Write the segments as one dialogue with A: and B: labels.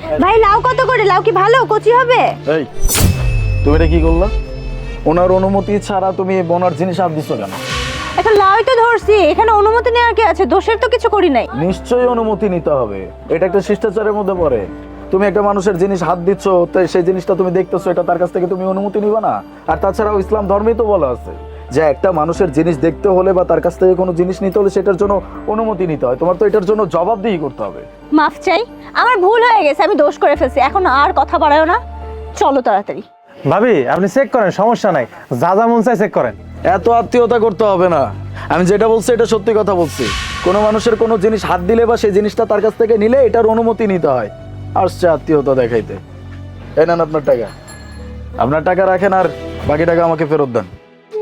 A: ভাই লাউ কত করে? লাউ কি ভালো কচি হবে?
B: এই তুমি এটা কি করলা? ওনার অনুমতি ছাড়া তুমি বোনার জিনিস হাত দিচ্ছ কেন?
A: একটা লাউই তো ধরছি, এখানে অনুমতি নেওয়ার কি আছে? দোষের তো কিছু করি নাই।
B: নিশ্চয়ই অনুমতি নিতে হবে, এটা একটা শিষ্টাচারের মধ্যে পড়ে। তুমি একটা মানুষের জিনিস হাত দিচ্ছ, তো সেই জিনিসটা তুমি দেখতেছো, এটা তার কাছ থেকে তুমি অনুমতি নিবা না? আর তাছাড়াও ইসলাম ধর্মেই তো বলা আছে যে একটা মানুষের জিনিস দেখতে হলে বা তার কাছ থেকে কোনো জিনিস নিতে হলে সেটার জন্য অনুমতি নিতে হয়। তোমার তো এটার জন্য জবাবদিহি করতে হবে।
A: মাফ চাই, আমার ভুল হয়ে গেছে, আমি দোষ করে ফেলছি। এখন আর কথা বাড়ায়ো না, চলো তাড়াতাড়ি।
C: ভাবি আপনি চেক করেন, সমস্যা নাই, যা যা মন চাই চেক করেন।
B: এত আত্মীয়তা করতে হবে না, আমি যেটা বলছি এটা সত্যি কথা বলছি। কোনো মানুষের কোনো জিনিস হাত দিলে বা সেই জিনিসটা তার কাছ থেকে নিলে এটার অনুমতি নিতে হয়। আসছে আত্মীয়তা দেখাইতে। এই নেন আপনার টাকা, আপনার টাকা রাখেন আর বাকি টাকা আমাকে ফেরত দেন।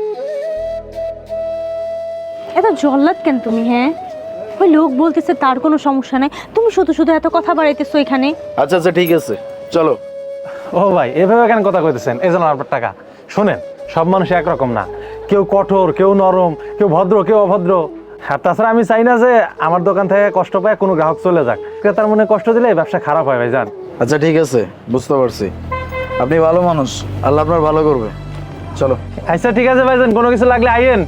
A: এত জল্লাদ কেন তুমি? হ্যাঁ, ওই লোক বলতেছে তার কোনো সমস্যা নাই, তুমি শুধু শুধু এত কথা বাড়াইতেছো এখানে।
B: আচ্ছা আচ্ছা ঠিক আছে, চলো।
C: ও ভাই এভাবে কেন কথা কইতেছেন? এই জন্য আপনার টাকা। শোনেন, সব মানুষ একরকম না, কেউ কঠোর, কেউ নরম, কেউ ভদ্র, কেউ অভদ্র। আর তাছাড়া আমি চাই না যে আমার দোকান থেকে কষ্ট পায় কোনো গ্রাহক চলে যাক। ক্রেতার মনে কষ্ট দিলে ব্যবসা খারাপ হয় ভাই, জান।
B: আচ্ছা ঠিক আছে, বুঝতে পারছি, আপনি ভালো মানুষ, আল্লাহ আপনার ভালো করবে। চলো।
C: আচ্ছা ঠিক আছে ভাইজান, কোনো কিছু লাগলে আইয়েন।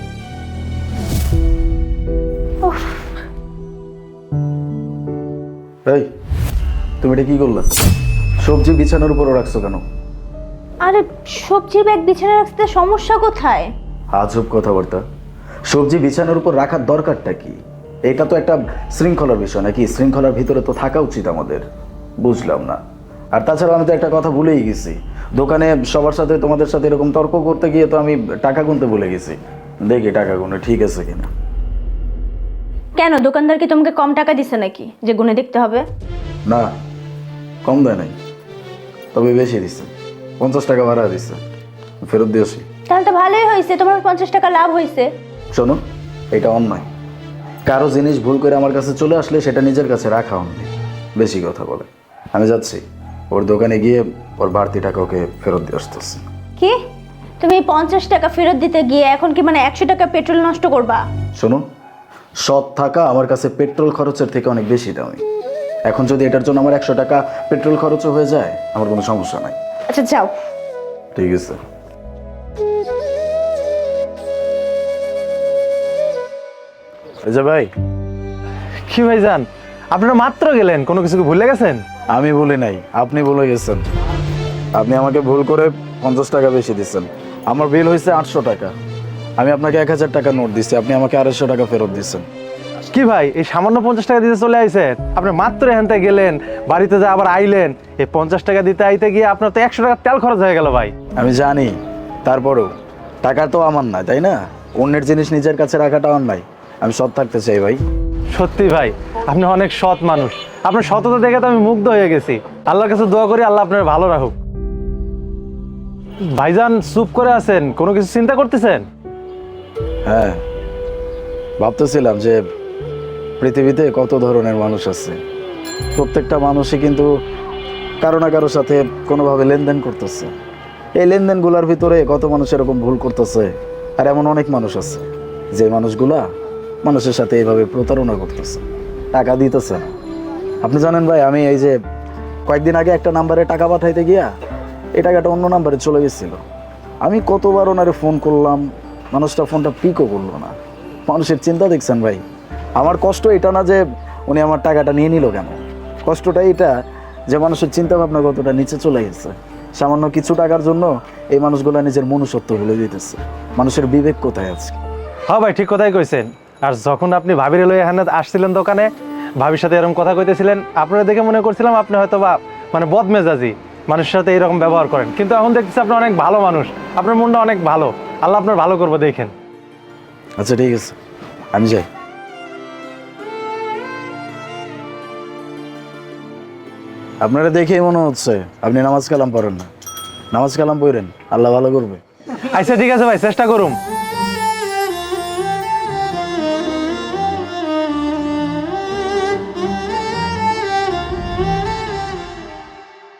B: এই তুমি এটা কি করলা? সবজি বিছানার উপরে রাখছো কেন?
A: আরে সবজি ব্যাগ বিছানা রাখতে সমস্যা কোথায়?
B: আজব কথাবার্তা। সবজি বিছানার উপর রাখার দরকারটা কি? এটা তো একটা শৃঙ্খলার বিষয় নাকি? শৃঙ্খলার ভিতরে তো থাকা উচিত আমাদের। বুঝলাম না। আর তাছাড়া আমি তো একটা কথা ভুলেই গেছি, দোকানে সবার সাথে তোমাদের সাথে এরকম তর্ক করতে গিয়ে তো আমি টাকা গুনতে ভুলে গেছি। দেখি টাকা গুনে ঠিক আছে কিনা।
A: কেন, দোকানদার কি তোমাকে কম টাকা দিছে নাকি যে গুনে দেখতে হবে?
B: না, কম দেয় নাই, তবে বেশি দিচ্ছে, 50 টাকা ভাড়া দিচ্ছে, ফেরত দিয়েছি।
A: তাহলে তো ভালোই হয়েছে, তোমার 50 টাকা লাভ হয়েছে।
B: শোনো, এটা অন্যায়। কারো জিনিস ভুল করে আমার কাছে চলে আসলে সেটা নিজের কাছে রাখা অন্যায়। বেশি কথা বলে। আমি যাচ্ছি, ওর দোকানে গিয়ে ওর বাড়তি টাকা ওকে ফেরত দিয়ে আসতেছি।
A: কি? তুমি 50 টাকা ফেরত দিতে গিয়ে এখন কি মানে 100 টাকা পেট্রোল নষ্ট করবা?
B: শোনো, সৎ থাকা আমার কাছে পেট্রোল খরচের থেকে অনেক বেশি দামি। এখন যদি এটার জন্য আমার 100 টাকা পেট্রোল খরচও হয়ে যায়, আমার কোনো সমস্যা নাই।
A: আচ্ছা যাও।
B: ঠিক আছে। এই যে ভাই।
C: কি ভাইজান, আপনারা মাত্র গেলেন, কোনো কিছু কি ভুলে গেছেন?
B: আমি বলি নাই, আপনি বলে গেছেন। আপনি আমাকে ভুল করে 50 টাকা বেশি দিচ্ছেন। আমার বিল হয়েছে 800 টাকা। আমি আপনাকে 1000 টাকা নোট দিচ্ছি, আপনি আমাকে 250 টাকা ফেরত দিচ্ছেন।
C: কি ভাই, এই সামান্য 50 টাকা দিতে চলে আইছেন? আপনি মাত্র এখান থেকে গেলেন, বাড়িতে যা আবার আইলেন, এই 50 টাকা দিতে আইতে গিয়ে আপনার তো 100 টাকা তেল খরচ হয়ে গেল ভাই।
B: আমি জানি, তারপরেও টাকা তো আমার না, তাই না? অন্যের জিনিস নিজের কাছে রাখাটা অন্যায়। আমি সৎ থাকতে চাই ভাই।
C: সত্যি ভাই, আপনি অনেক সৎ মানুষ। আপনার সততা দেখে তো আমি মুগ্ধ হয়ে গেছি। আল্লাহর কাছে দোয়া করি আল্লাহ আপনার ভালো রাখুক। ভাইজান চুপ করে আছেন, কোনো কিছু চিন্তা করতেছেন?
B: হ্যাঁ, ভাবতেছিলাম যে পৃথিবীতে কত ধরনের মানুষ আছে। প্রত্যেকটা মানুষই কিন্তু কারো না কারোর সাথে কোনোভাবে লেনদেন করতেছে। এই লেনদেনগুলোর ভিতরে কত মানুষ এরকম ভুল করতেছে, আর এমন অনেক মানুষ আছে যে মানুষগুলা মানুষের সাথে এইভাবে প্রতারণা করতেছে, টাকা দিতেছে না। আপনি জানেন ভাই, আমি এই যে কয়েকদিন আগে একটা নাম্বারে টাকা পাঠাইতে গিয়া এই টাকাটা অন্য নাম্বারে চলে গেছিল। আমি কতবার ওনারে ফোন করলাম, মানুষটা ফোনটা পিকও করলো না। মানুষের চিন্তা দেখছেন ভাই। আমার কষ্ট এটা না যে উনি আমার টাকাটা নিয়ে নিল কেন, কষ্টটা এটা যে মানুষের চিন্তা ভাবনা কতটা নিচে চলে গেছে। সামান্য কিছু টাকার জন্য এই মানুষগুলা নিজের মনুষ্যত্ব ভুলে দিতেছে। মানুষের বিবেক কোথায় আছে?
C: হ্যাঁ ভাই, ঠিক কথাই কইছেন। আর যখন আপনি ভাবির লইয়া এখানে আসছিলেন দোকানে, ভাবির সাথে এরকম কথা কইতেছিলেন, আপনারা দেখে মনে করছিলাম আপনি হয়তো বা মানে বদমেজাজি মানুষের সাথে এরকম ব্যবহার করেন, কিন্তু এখন দেখতেছি আপনি অনেক ভালো মানুষ, আপনার মনটা অনেক ভালো। আল্লাহ আপনার ভালো করবো, দেখেন।
B: আচ্ছা ঠিক আছে, আমি যাই। আপনারা দেখেই মনে হচ্ছে আপনি নামাজ কালাম পড়েন না। নামাজ কালাম পড়েন, আল্লাহ ভালো করবে।
C: আচ্ছা ঠিক আছে ভাই, চেষ্টা করুন।